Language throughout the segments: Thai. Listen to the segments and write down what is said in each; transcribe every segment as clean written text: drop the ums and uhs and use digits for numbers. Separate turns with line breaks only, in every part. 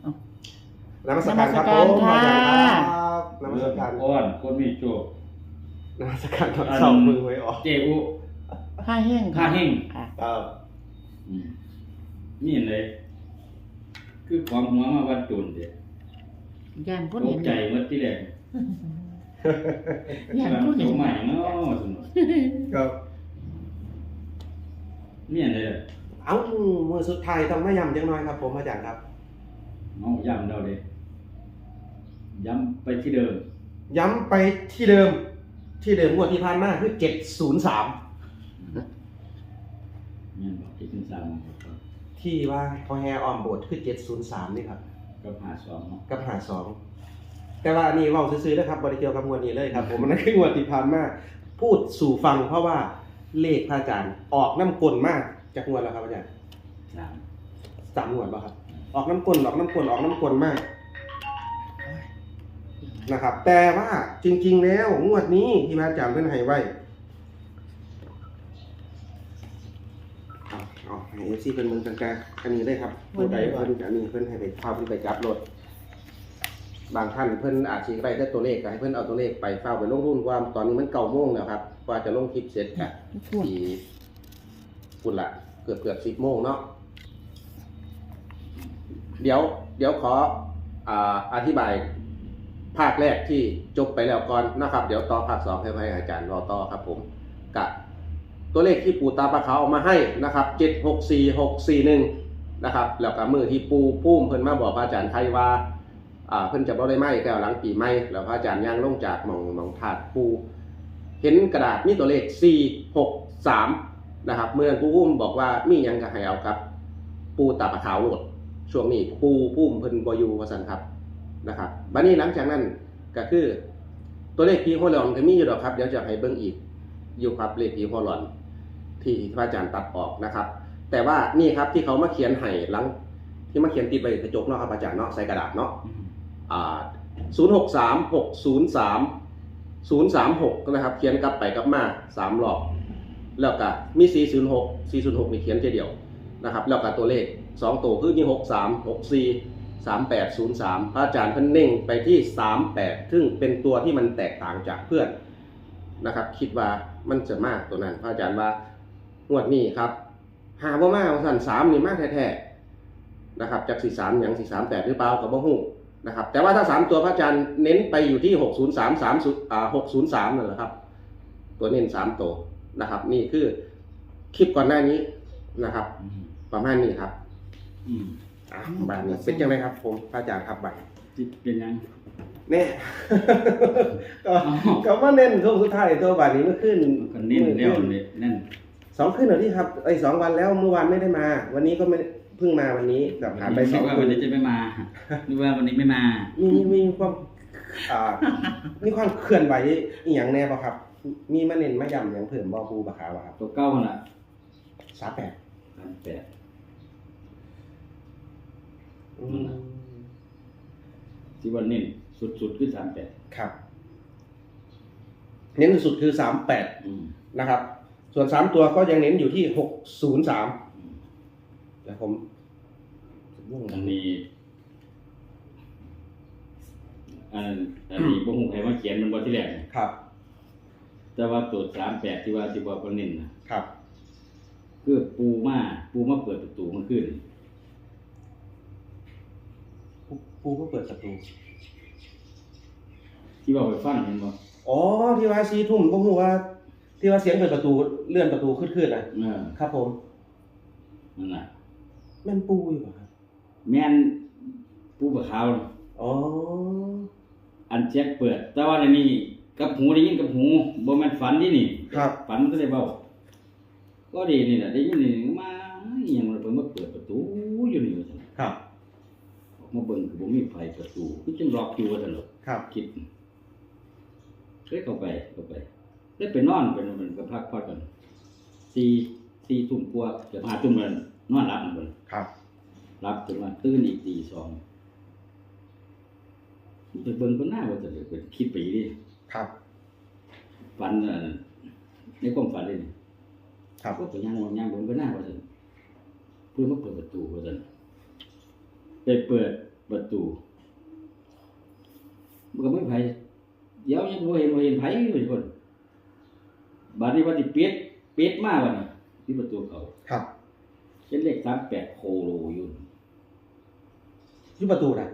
นมัสการครับผมอาจารย์ครับนมัสการ
ก้อนคนมีโชคน
มัสการตอนเช้ามือไว้ออก
เจอุ
ผ้าแห้ง
ผ้าแห้ง
ครับ
นี่เลยคือความหัวมาวัดจุนเด็ด
ย่านผู้
ต
เห็
ก
น
ใจเมื่อที่แรก
ย่านผู้เห็น
ใหม่เนาะสนุก
ครับ
นี่เลย
เอ้ามือสุดท้ายต้องมาย้ำจังน้อยครับผมอาจารย์ครับ
เอาย้ำเราเลยย้ำไปที่เดิม
ย้ำไปที่เดิมงวดที่ผ่านมาคือ703
นี่บอกที่ขึ้นซ้ำ
ที่ว่าพอแฮอ้อมโบสถ์คือ703นี่ครับ
ก็หาสองเนาะ
กับ52แต่ว่าอันนี้เว้าซื่อๆนะครับบ่ได้เกี่ยวกับงวดนี้เลยครับผมมันนั่นคืองวดที่ผ่านมาพูดสู่ฟังเพราะว่าเลขพระอาจารย์ออกน้ำกลมากจากงวดแล้วครับอาจารย์ 3งวดป่ะครับออกน้ำกลออกน้ำกลมากนะครับแต่ว่าจริงๆแล้วงวดนี้ที่พระอาจารย์เพิ่นให้ไว้เอาให้ FC เพิ่นเบิ่งกลางๆอันนี้เลยครับผู้ใดเพิ่นอันนี้เพิ่นให้ไปพาเพิ่นไปจับรถบางท่านเพิ่นอาจสิได้แต่ตัวเลขก็ให้เพิ่นเอาตัวเลขไปเฝ้าไปลงทุนว่าตอนนี้มัน9:00 นแล้วครับกว่าจะลงคลิปเสร็จก็ที่พุ่นละเกือบ 10:00 นเนาะเดี๋ยวขออธิบายภาคแรกที่จบไปแล้วก่อนนะครับเดี๋ยวต่อภาค2ให้อาจารย์รอต่อครับผมกับตัวเลขที่ปู่ตาปลาขาวเอามาให้นะครับ764641นะครับแล้วก็มือที่ปู่พุ่มเพิ่นมาบอกพระอาจารย์ไทยว่าเพิ่นจะบ่ได้ไหม้แต่หลังปีใหม่แล้วพระอาจารย์ย่างลงจากหม่องธาตุปู่เห็นกระดาษมีตัวเลข463นะครับเมื่อปู่พุ่มบอกว่ามีหยังก็ให้เอาครับปู่ตาปลาขาวโลดช่วงนี้ปู่พุ่มเพิ่นบ่อยู่ว่าซั่นครับนะครับบัดนี้หลังจากนั้นก็คือตัวเลขผีหัวหลอนก็มีอยู่ดอกครับเดี๋ยวจะให้เบิ่งอีกอยู่ครับเลขผีหัวหลอนที่พระอาจารย์ตัดออกนะครับแต่ว่านี่ครับที่เขามาเขียนให้หลังที่มาเขียนติดไว้กระจกเนาะครับอาจารย์เนาะใส่กระดาษเนาะ063603 036นะครับเขียนกลับไปกลับมา3รอบแล้วก็มี406นี่เขียนทีเดียวนะครับแล้วก็ตัวเลข2ตัวคือมี63643803พระอาจารย์เพิ่นเน้นไปที่38ซึ่งเป็นตัวที่มันแตกต่างจากเพื่อนนะครับคิดว่ามันจะมากตัวนั้นพระอาจารย์ว่างวดนี้ครับหาบ่มาสั่น3นี่มากแท้ๆนะครับจาก43หยัง438หรือเปล่าก็บ่ฮู้นะครับแต่ว่าถ้า3ตัวพระอาจารย์เน้นไปอยู่ที่603นั่นแหละครับตัวเน้น3ตัวนะครับนี่คือคลิปก่อนหน้านี้นะครับประมาณนี้ครับบาทนี้เป็นยังไงครับผมพระอาจารย์ครับบาท
เป็นยัง
เนี่ยก็ว่าเน้นช่วงสุดท้ายตัวบาทนี้เมื่อขึ้น
ก็เน้นแล้วเนี่ยนั่น
2 คืนเหรอที่ครับ2 วันแล้วเมื่อวานไม่ได้มาวันนี้ก็ไม่เพิ่งมาวันนี้กับผ่านไป2 คื
วัน
น
นี้จะไม่มาหรือว่าวันนี้ไม่มา
มีความมีความเคลื่อนไหวอีหยังแน่ป่ะครับมีมาเน้นมาย้ำอย่างเพิ่มบ่ครูบาขาวครับ
ตัวเก้าน่ะ
38
ที่วันนี้สุดคือ38
ครับเน้นสุดคือ38นะครับส่วน3ตัวก็ยังเน้นอยู่ที่603แล้วผม
อันนี้บ่ฮู้ใครมาเขียนมันบ่ที่แรก
ครับ
แต่ว่าตัว38ที่ว่าบ่เน้นนะครับ คือปูมาเปิดประตูมันขึ้น
ปูก็เปิดประตู
ที่ว่าไปฟังเห็นบ่
อ๋อที่ว่า4 ทุ่มบ่ฮู้ว่าที่ว่าเสียงเปิดประตูเลื่อนประตูขึ้นๆน่ะครับผม
นั่นน่ะ
แม่นปูอยู่บ่ครับ
แม่นปูบะขาว
อ๋อ
อันเช็คเปิดแต่ว่าในนี้กับหูได้ยินกับหูบ่แม่นฝันนี่นี่
ครับ
ฝันมันก็ได้เว้าก็ดีนี่น่ะได้ยินนี่มาอีหยังมันเพิ่นมาเปิดประตูอยู่นี่ว่าซั่น
ครับ
ออกมาเบิ่งก็บ่มีไฟประตูคือจังล็อกอยู่ว่าซั่นหรอก
ครับ
คิดเลยเข้าไปได้ไปนอนไปมันก็พักผ่อนกัน4 ทุ่มกว่าเกือบ5 ทุ่มแล้วนอนหลับมัน
ครับ
รับจนว่าตื่นอีกตี 2ไปเบิ่งก็น่าว่าจะเป็นคิดไปดิ
ครับ
ฝันในความฝันเลยนี่
ครับ
ก็ไปย่างเบิ่งก็น่าว่าจะเพื่อมาเปิดประตูว่าซั่นไปเปิดประตูมันก็ไม่ไผเดี๋ยวยังบ่เห็นไผอยู่คนบัดนี้ว่าสิปิดมาบัดนี้ที่ประตูเขา
ครับ
เขียนเลข38โคโลอยู่
อยู่ประตูน่ะ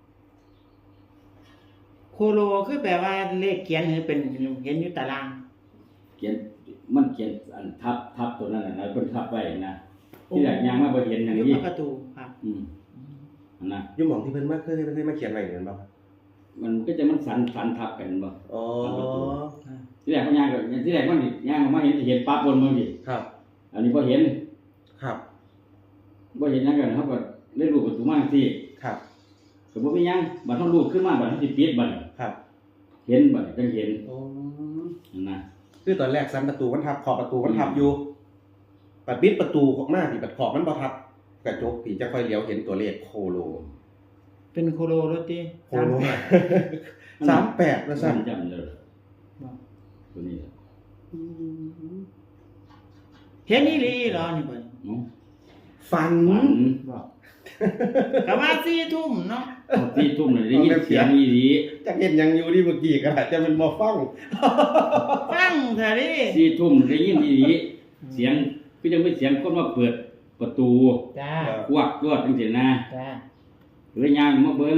โคโลคือแปลว่าเลขเขียนหรือเป็นเห็นอยู่ตาราง
เขียนมันเขียนอันทับตัวนั้นน่ะนะเพิ่นทับไว้นะที่แรกยังมาบ่เห็นอย่าง
อยู่
นี้
ประตูครับ
อันนะ
อยู่หม่องที่เพิ่นมาเคยมาเขียนไว้เหมือนบ่ครับ
มันก็จะมันสันทับกันบ่
อ๋อ
ที่แรกมันย่างก็ที่แรกมันนี่ย่างออกมาเห็นปั๊บบนมือดิ
ครับ
อันนี้บ่เห็น
ครับ
บ่เห็นหยังกันเฮาก็เลยรูปประตูมาสิ
ครับ
ก็บ่มีหยังบัดเฮารูปขึ้นมาบัดเฮาสิปิดบัด
ครับ
เห็นบัดจังเห็น
โอ้
นั่นนะ
คือตอนแรกซันประตูมันทับขอบประตูมันทับอยู่ปัดปิดประตูออกมาที่ปัดขอบมันบ่ทับกระจกที่จะค่อยเลี้ยวเห็นตัวเลขโคโล
เป็นโคโลรถติ
โคโล 38ว่าซั่น
จำได้ตัวนี้
เห็นอีหลีเหรอนี่เพิ่น
เนาะ
ฝัน
บอกก็ว่า4 ทุ่มเนาะ
ที่ทุ่มน่ะได้ยินเสียงอีหลี
จักเห็นหยังอยู่ที่เมื่อกี้ก็อาจจะเป็นบ่ฟัง
ฟังซะดิ
ที่ทุ่มได้ยินอีหลีเสียงคือจังเป็นเสียงคนมาเปิดประตู
จ้า
ควักรวดจังซี่นะ
จ้า
เลยย่างมาเบิ่ง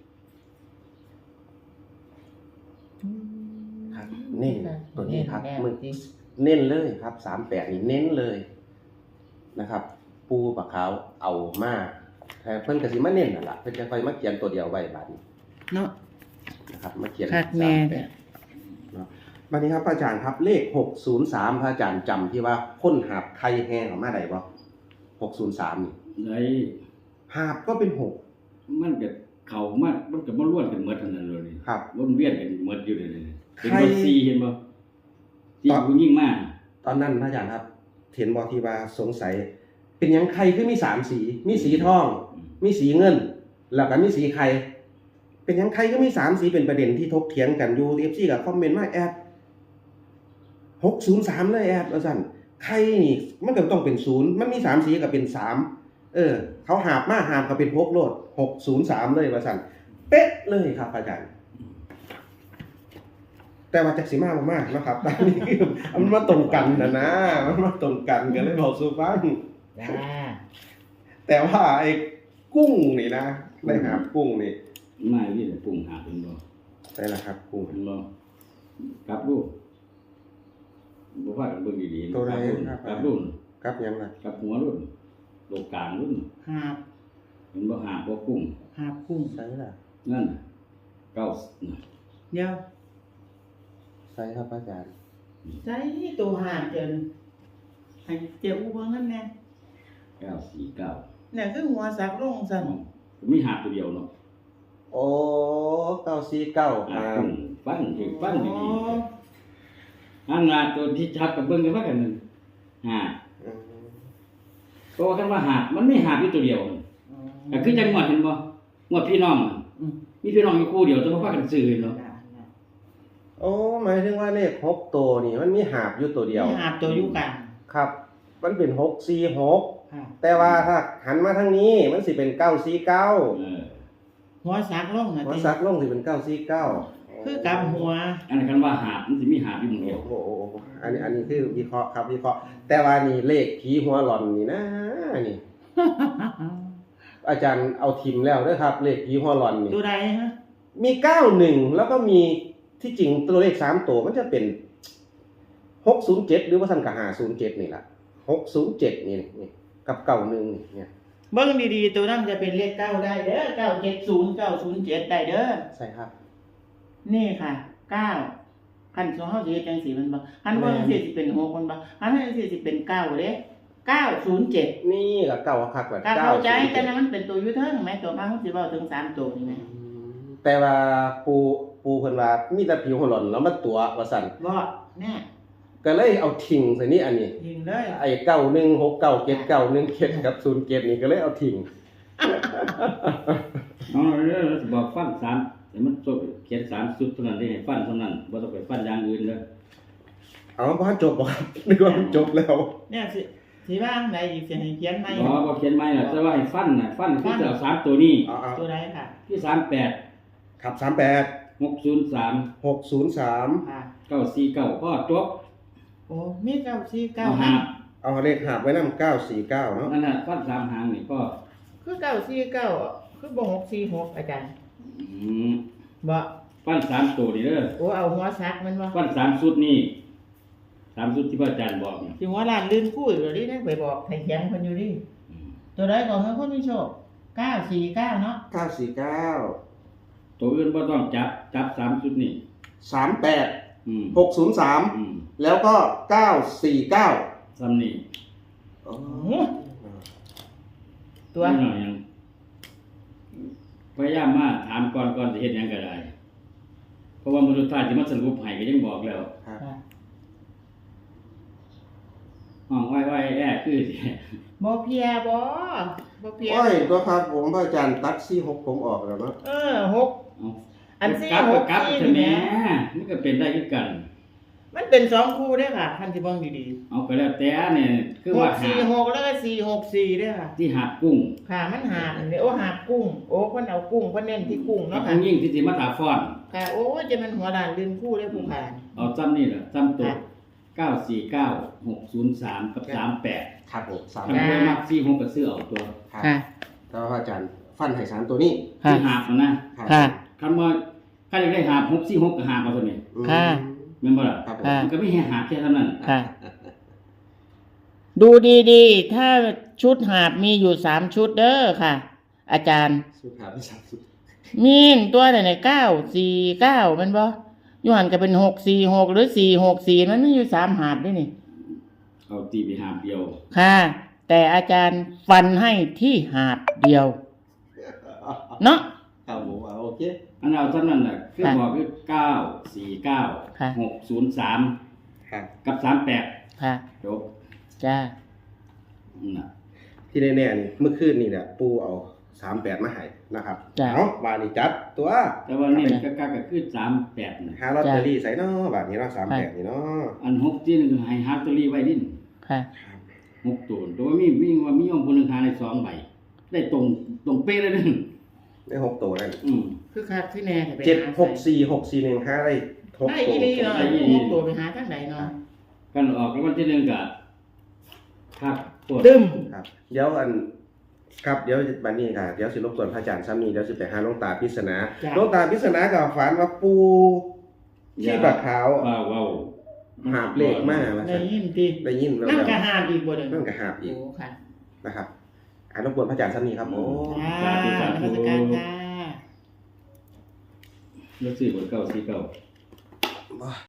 ครับนี่ตัวนี้ครับ
แน่
มึง
จริง
เน้นเลยครับ38นี่เน้นเลยนะครับ ปูปะขาวเอามาแต่เพิ่นก็สิมาเน้นนั่นล่ะเพิ่นจะค่อยมาเขียนตัวเดียวไว้บัดนี้
เนาะ
นะครับมาเขียน
คักแน่เนี่ย
เนาะบัดนี้ครับพระอาจารย์ครับเลข603พระอาจารย์จำที่ว่าคนหาบไข่แห้งออกมาได้บ่603นี่
ได้
หาบก็เป็น6
มันก็เข้ามามันก็มาล้วนกันหมดทั้งนั้นเลยนี่
ครับ
วนเวียนกันหมดอยู่เลยนี่เป็น
ใคร
บ่ซีเห็นบ่ที่ผู้ยิ่งมาก
ตอนนั้นพระอาจารย์ครับเห็นบ่ที่ว่าสงสัย เป็นหยังไข่คือมี3สีมีสีทอง มีสีเงิน แล้วก็มีสีไข่เป็นหยังไข่ก็มี3สีเป็นประเด็นที่ถกเถียงกันอยู่ FC ก็คอมเมนต์มาแอด603เลยแอดว่าซั่นไข่นี่มันก็ต้องเป็น0มันมี3สีก็เป็น3เขาหาบมาหาบก็เป็น6โลด603เลยว่าซั่นเป๊ะเลยครับอาจารย์ แต่ว่าจักสิมาบ่มาเนาะครับ ตอนนี้มันมาตรงกันนะมันมาตรงกันก็เลยบอกสู่ฟัง
จ้า
แต่ว่าไอ้กุ้งนี่นะได้หากุ้งนี่
มานี่แหละปรุงหาเป็นบ่
ได้แล้วครับกุ้ง
เป็นบ่กลับลูกบ่ว่ากันเบิ่งดีๆ
ตัวใด
กลับรุ่น
ครับยังล่ะ
กลับหัวรุ่นโลกกลางรุ่น
หาบ
เห็นบ่หาบ่กุ้ง
หาบกุ้ง
ใช่ล่ะ
นั่นน่ะเก้าน่ะ
เดี๋ยว
ใช่ครับอาจารย์
ใส่ตัวหาบจนให้เจ้าอู้เบิ่งนั่นแน่
949
เนี่ยคือหัวสักลงซั่น
มีหาตัวเดียวเนาะ
โอ้949
หา
หา
กุ้งฟังให้ฟังดีๆอันน่ะตัวที่ชัดกับเบิ่งกันว่ากันนั่นหา
อืม
เพราะว่าคันว่าหามันไม่หาอยู่ตัวเดียวก็คือจังหวัดเห็นบ่งวดพี่น้องอะ
อืม
มีพี่น้องอยู่คู่เดียวแต่ว่าพากันซื้อเนาะ
โอ้หมายถึงว่าเลข6ตัวนี่มันมีหาบอยู่ตัวเดียว
มีหาบตัวอยู่กัน
ครับ มันเป็น646
ค่ะ
แต่ว่าถ้าหันมาทางนี้มันสิเป็น949
หัวสักลงน่ะ
หัว
ติ
ซักลงสิเป็น949
คือกับหัว
อันนั้นคันว่าหามันสิมีหาอยู่หมู่เดียว
โอ้โหอันนี้คือวิเคราะห์ครับวิเคราะห์แต่ว่านี่เลขผีหัวหลอนนี่นะนี่ อาจารย์เอาทิมแล้วเด้อครับ เลขผีหัวหลอนนี่
ตัวใดฮะ
มี91แล้วก็มีที่จริงตัวเลข3ตัวมันจะเป็น607หรือว่าซั่นก็507นี่ล่ะ607นี่กับ91นี่เนี่ย
เบิ่งดีๆตัวนั้นจะเป็นเลข9ได้เด้อ970 907ได้เด้อ
ใช่ครับ
นี่ค่ะ9คันสองเฮาสิเฮ็ดจังซี่มันบ่คันเบิ่งสิสิเป็น6มันบ่คันเฮาสิสิเป็น9เด้907
นี่ก็เก่าคักแบบ
ก็เข้าใจแต่นั้นมันเป็นตัวอยู่เทิงแม่ตัวมาเฮาสิเว้าถึง3ตัวนี่แหม
แต่ว่าปูเพิ่นว่ามีแต่ผีหัวหลอนแล้วมาตัวว่าซั่น
บ่แน่
ก็เลยเอาทิ้งใส่นี่อันนี้
ยิงเลย
ไอ้91697917กับ07นี่ก็เลยเอาทิ้ง
เอาเด้อบอกฟัน3แต่มันจบเขียน3สุดเท่านั้นได้ให้ฟันเท่านั้นบ่ต้องไปฟันอย่างอื่นเด้อ
เอาบ่ทันจบบ่ครับนึกว่ามันจบแล้ว
เนี่ยสิสิว่างใดอีกสิให้เขียนไหม
บ่เขียนใหม่ล่ะแต่ว่าให้ฟันน่ะฟันคือจะเอา3ตัวนี้
เอา
ตัวใดค่ะ
ที่38
ครับ38
603
603
ค่ะ
949พ่อจบ
โอ้มี949
เอาหาบ
เอาเลขหาบไว้นำ949เนาะ
นั่นน่ะฟัน3หางนี่ก็
คือ949คือบ่646อาจารย์
อืม
บ่
ฟัน3ตัวนี่เด้อ
โอ้เอาหัวซักมันบ่
ฟัน3ชุดนี่3ชุดที่พระอาจารย์บอกนี่
สิหัวล้านลื่นคู่อยู่ดิได้ไปบอกให้เขียนเพิ่นอยู่ดิ
อืม
ตัวใดก็ให้คนมีโชค949เนาะ
949
ตัวอื่นบ่ต้องจับ3ชุดนี่
38
อืม
603
อืม
แล้วก็949
ซ้ำนี่
อ๋อ
ตัว
นิดหน่อยยังพยายามมาถามก่อนสิเฮ็ดหยังก็ได้ เพราะว่ามื้อสุดท้ายสิมาสรุปให้ก็ยังบอกแล้ว
ครับ
ค่ะ
ห้องไว้แอ้คือสิ
บ่เพียบ่เพีย
โอ้ยตัวครับผมพระอาจารย์ตัด46ผมออกแล้วเนาะ
6
เอา
อัน4
กลับก็กลับ
6
ใช่ไหม
4
มันก็เป็นได้คือกัน
มันเป็น2คู่เด้อค่ะท่านสิเบิ่งดี
เอาก็แล้วแต่เนี่ยคือว่าหา
646แล้วก็464เด้อค่ะ
ที่หาดกุ้ง
ค่ะมันหาดอันนี้โอ้หาดกุ้ง โอ้เพิ่นเอากุ้งเพิ่นเน้นที่กุ้ง
กั
เนาะ
บ
ค่ะ
ผู้หญิงที่สิมาถาฟ้อน
ค่ะโอ้จะมันหัวด่านลืมคู่เด้อผู้ผ่าน
เอาซ้ำนี่ล่ะซ้ำตัว
ค่ะ
949 603 กับ 38
ครับผม
ถ้าบ่มัก46ก็ซื้อเอาตัว
ครับ
ค่ะ
แล้วพระอาจารย์ฟันให้3ตัวนี้
ค่ะ
ที่หาบนะ
ครับ
ค่ะ
คำว่าใครอยากได้หาบ646ก็หาบเอาตัวนี้
อืม
ค่ะ
แม่นบ่ล่ะ
ครับผม
ค่ะ
มันก็ไม่ให้หาบแค่เท่านั้น
ค่ะ ดูดีๆ ถ้าชุดหาบมีอยู่3ชุดเด้อค่ะ อาจารย์
สุดหาบที่3สุด
มีนตัวไหน949มันบ่อยู่หันก็เป็น646หรือ464มันมีอยู่3หาบด้วยนี่
เอาตีไปหาบเดียว
ค่ะ แต่อาจารย์ฟันให้ที่หาบเดียว เนาะ
ครับผมเอาโอเค
อันเอาเท่านั้นน่ะคือ
ค่ะ
บอกคือ949
ค่ะ
603
ครับ
กับ38
ค่ะ
จบ
จ้า
นั่นน่ะ
ที่แน่ๆนี่เมื่อคืนนี่แหละปูเอา38มาให้นะครับ
จ้ะ
เอาบาดนี้จัดตัว
แต่ว่านี่ก็คือ38น่ะ
หาลอตเตอรี่ใส่เนาะบาดนี้เนาะ38นี่เนาะ
อัน6ที่นึงให้หาลอตเตอรี่ไว้ดิ
ค่ะ
6ตัวแต่ว่ามีโยมคนหนึงหาได้2ใบได้ตรงเป๊ะเลยนึง
ได้6ตัวนั่น
คือคักที่แน่ไป
764 641หาได้6
ได้
ตัว
อีหลีเนาะพวกตัวไปหาทางไหนเนาะ
กันออกแล้ววันที่หนึ่งก็ครับปวด
ดึม
ครับเดี๋ยวครับเดี๋ยวบัดนี้ค่ะเดี๋ยวสิรบกวนพระอาจารย์ซ้ำนี้เดี๋ยวสิไปหาหลวงตาพิศนา
จ้ะ
หลวงตาพิศนาก็ฝันว่าปูที่ปากขาว
ว้าว
หาบเลขมาว่า
ได้
ซั่น
ยินติ
ได้ยินแล้ว
นั่นก็หาบอีกบ่เด้อ
นั่นก็หาบอีก
โอ้ค่ะ
นะครับรบกวนพระอาจารย์ซ้ำนี้ครับโอ้
ค่ะนมัสการค่ะ
แล้วซื้อบทเก้าสี่เก้า
บ่